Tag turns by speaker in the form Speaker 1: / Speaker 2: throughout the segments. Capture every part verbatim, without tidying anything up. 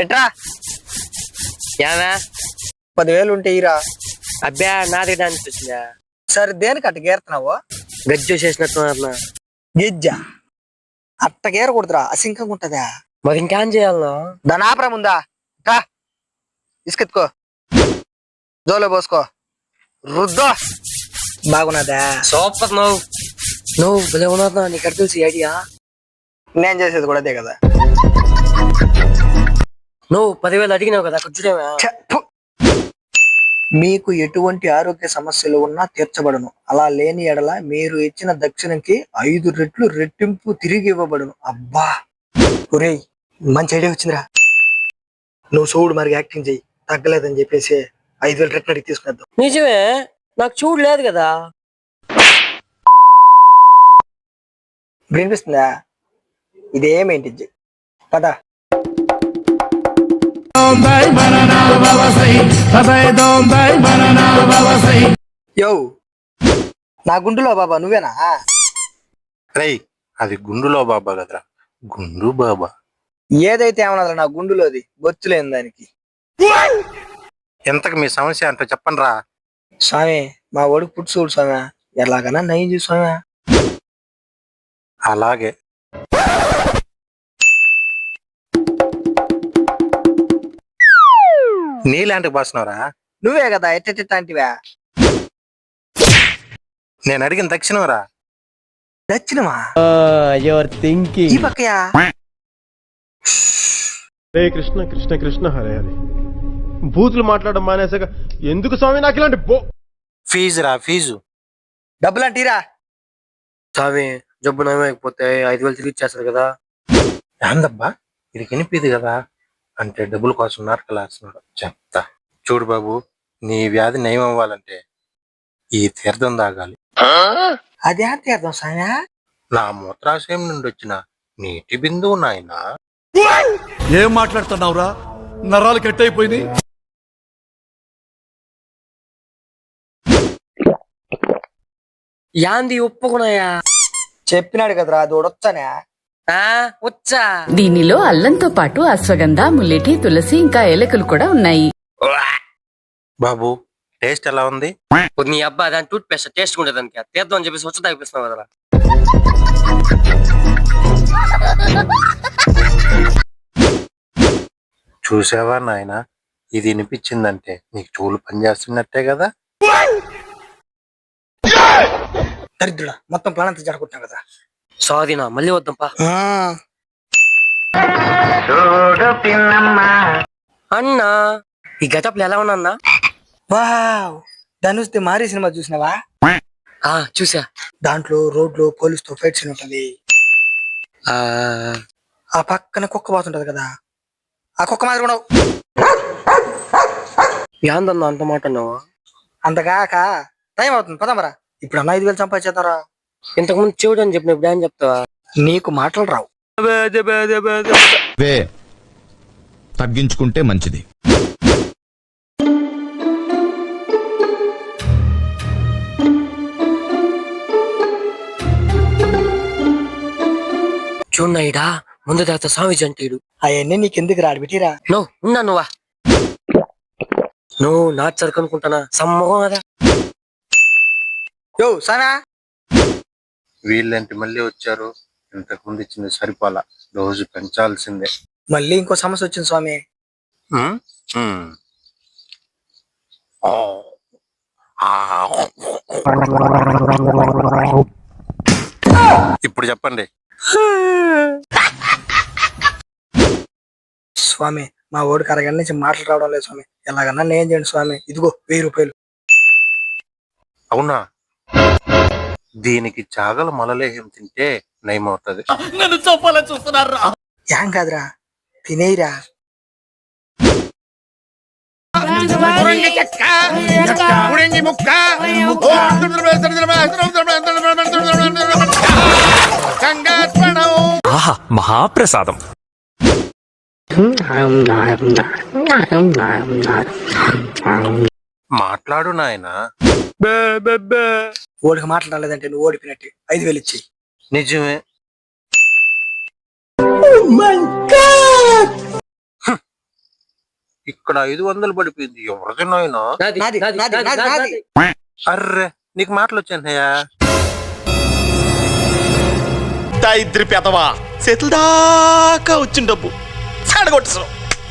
Speaker 1: ఎట్రా
Speaker 2: ఏమే
Speaker 1: పదివేలు ఉంటే ఇరా.
Speaker 2: అబ్బా నా దగ్గర అనిపించిందా?
Speaker 1: సరే దేనికి అట్ట గేరుతున్నావు?
Speaker 2: గజ్జు చేసినట్టు
Speaker 1: గిజ్జా అట్ట గేరకూడదురా, అసింకంగా ఉంటదా.
Speaker 2: మరి ఇంకేం చేయాలన్నా?
Speaker 1: దాని ఆపరం ఉందా? రా ఇసుకెత్తుకో, జోలో పోసుకో, రుద్దో. బాగున్నదా?
Speaker 2: సూపర్. నువ్వు నువ్వు భలే ఉన్నదా? నీకు అర్థం తెలిసి ఐడియా.
Speaker 1: నేను చేసేది కూడా అదే కదా.
Speaker 2: నువ్వు పదివేలు అడిగినావు కదా, కూర్చునేవా?
Speaker 1: మీకు ఎటువంటి ఆరోగ్య సమస్యలు ఉన్నా తీర్చబడును. అలా లేని ఎడల మీరు ఇచ్చిన దక్షిణకి ఐదు రెట్లు రెట్టింపు తిరిగి ఇవ్వబడును. అబ్బా ఒరేయ్, మంచి ఐడియా వచ్చిందిరా. నువ్వు చూడు మరి, యాక్టింగ్ చెయ్యి. తగ్గలేదని చెప్పేసి ఐదు వేలు రెట్లు అడిగి తీసుకునేద్దాం.
Speaker 2: నిజమే, నాకు చూడు లేదు కదా.
Speaker 1: వినిపిస్తుందా? ఇదేమేంటి పద. యో నా గుండులో బాబా నువ్వేనా?
Speaker 3: రేయ్, అది గుండులో బాబా కదరా, గుండు బాబా.
Speaker 1: ఏదైతే ఏమన్నదా నా గుండులోది, బొచ్చులేని దానికి.
Speaker 3: ఎంతకు మీ సమస్య అంటో చెప్పండి రా.
Speaker 1: స్వామి మా ఒడికి పుట్టు చూడు స్వామి, ఎలాగన్నా నయం చూ స్వామి.
Speaker 3: అలాగే నీలాంటి బాసినవరా?
Speaker 1: నువ్వే కదా ఎట్టెట్టంటివా?
Speaker 3: నేను అడిగిన దక్షిణవరా.
Speaker 1: దక్షిణమా?
Speaker 2: థింకింగ్
Speaker 1: ఈ పక్కయా?
Speaker 4: హరే కృష్ణ కృష్ణ కృష్ణ హరే హరే. బూతులు మాట్లాడడం మానేసాక ఎందుకు స్వామి నాకు ఇలాంటి బో.
Speaker 3: ఫీజు రా, ఫీజు.
Speaker 1: డబ్బులు అంటీరా?
Speaker 2: స్వామి జబ్బు నయమైపోతే ఐదు వేలు తిరిగి ఇచ్చేస్తారు కదా.
Speaker 3: ఏందబ్బా ఇది వినిపిది కదా అంటే డబ్బుల కోసం నాటకలాస్తున్నాడు. చెప్తా చూడు బాబు, నీ వ్యాధి నయం అవ్వాలంటే ఈ తీర్థం తాగాలి.
Speaker 1: అదే తీర్థం స్వామి?
Speaker 3: నా మూత్రాశయం నుండి వచ్చిన నీటి బిందువు నాయనా.
Speaker 5: ఏం మాట్లాడుతున్నావురా? నరాలు కట్ అయిపోయింది.
Speaker 2: యాంది ఒప్పుకున్నాయా?
Speaker 1: చెప్పినాడు కదరా, అది ఉడొచ్చానే.
Speaker 2: వచ్చా?
Speaker 6: దీనిలో అల్లంతో పాటు అశ్వగంధ, ముల్లెటి, తులసి ఇంకా ఏలకులు కూడా ఉన్నాయి.
Speaker 3: బాబు టేస్ట్ ఎలా ఉంది?
Speaker 2: నీ అబ్బా దాని టూత్ పేస్ట్ టేస్ట్ ఉండదు, దానికి తీర్థం అని చెప్పేసి వచ్చి తాగిపిస్తున్నావు కదా.
Speaker 3: చూసావా నాయన, ఇది వినిపించిందంటే నీకు చూలు పనిచేస్తున్నట్టే కదా.
Speaker 1: దరిద్రుడా, మొత్తం ప్లాన్ అంతా జరుగుతున్నావు కదా.
Speaker 2: సారీనా, మళ్ళీ వద్దాంపా. అన్నా ఈ గెటప్లు ఎలా ఉన్నా?
Speaker 1: వావ్, ధనుష్ ది మారీ సినిమా చూసినావా?
Speaker 2: చూసా.
Speaker 1: దాంట్లో రోడ్లో పోలీసుతో ఫైట్ సీన్ ఉంటది. ఆ పక్కన కుక్క పోతుంటది కదా, ఆ కుక్క మాదిరి కూడా.
Speaker 2: యాందన్నా అంత మాట అన్నావా?
Speaker 1: అంతగాక టైం అవుతుంది పదమరా. ఇప్పుడు అన్న ఐదు వేలు సంపాదించేద్దారా.
Speaker 2: ఇంతకు ముందు చెవుడు అని చెప్పిన ఇప్పుడు ఏం చెప్తావా?
Speaker 1: నీకు మాటలు రావు.
Speaker 5: తగ్గించుకుంటే మంచిది.
Speaker 2: చూడన్నాయిడా ముందు తర్వాత స్వామిజీ అంటాడు.
Speaker 1: అవన్నీ నీకెందుకు రాడిబెట్టిరా?
Speaker 2: నువ్వు ఉన్నా నువ్వా నువ్వు నా చరుకు అనుకుంటానా సమ్మగం కదా.
Speaker 1: యో సానా,
Speaker 3: వీళ్ళంటి మళ్ళీ వచ్చారు. ఇంతకు ముందు ఇచ్చింది సరిపోలా, రోజు పెంచాల్సిందే.
Speaker 1: మళ్ళీ ఇంకో సమస్య వచ్చింది స్వామి.
Speaker 3: ఉమ్, ఉమ్. ఇప్పుడు చెప్పండి
Speaker 1: స్వామి. మా ఓడికి అరగంట నుంచి మాటలు రావడం లేదు స్వామి, ఎలాగన్నా నేను చేయండి స్వామి. ఇదిగో వెయ్యి రూపాయలు.
Speaker 3: అవునా? దీనికి చాగల మలలేహం తింటే నయమవుతుంది.
Speaker 5: నన్ను చంపాలని చూస్తున్నారా?
Speaker 1: ఏం కాదురా, తినేయిరా.
Speaker 5: ఆహా, మహాప్రసాదం.
Speaker 3: మాట్లాడు నాయనా.
Speaker 1: ఓడికి మాట్లాడలేదంటే నువ్వు ఓడిపోయినట్టు. ఐదు వేలు ఇచ్చి.
Speaker 3: నిజమే. ఇక్కడ ఐదు వందలు పడిపోయింది. ఎవరిది నాయనా?
Speaker 2: నాది,
Speaker 1: నాది,
Speaker 2: నాది,
Speaker 1: నాది,
Speaker 2: నాది,
Speaker 1: నాది,
Speaker 2: నాది.
Speaker 3: అర్రే నీకు మాటలు వచ్చానయ్యా.
Speaker 5: ఇద్దరి పెదవా చేతుల దాకా వచ్చిన డబ్బు చెడగొట్టేసావు.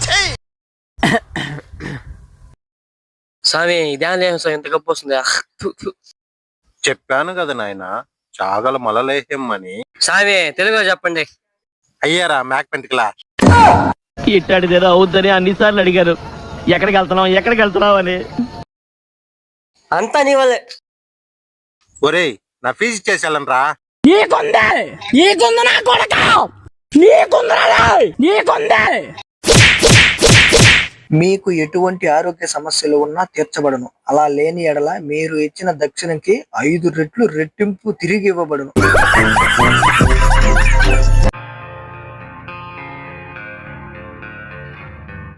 Speaker 2: స్వామి ఇదేం లేదు స్వామి, ఎంత గొప్ప వస్తుంది.
Speaker 3: చెప్పాను కదా నాయన, చాగల మలలేహ్యం అని.
Speaker 2: స్వామి తెలుగులో చెప్పండి.
Speaker 3: అయ్యారా మ్యాక్ పెంటికలా?
Speaker 7: ఇట్టాడిదేదో అవుద్దని అన్నిసార్లు అడిగారు. ఎక్కడికి వెళ్తున్నావు ఎక్కడికి వెళ్తున్నావు అని.
Speaker 2: అంతా నీ వల్లే.
Speaker 3: ఒరేయ్ నా ఫీజు ఇచ్చేసి వెళ్ళండ్రా.
Speaker 1: మీకు ఎటువంటి ఆరోగ్య సమస్యలు ఉన్నా తీర్చబడును. అలా లేని ఎడల మీరు ఇచ్చిన దక్షిణకి ఐదు రెట్లు రెట్టింపు తిరిగి ఇవ్వబడును.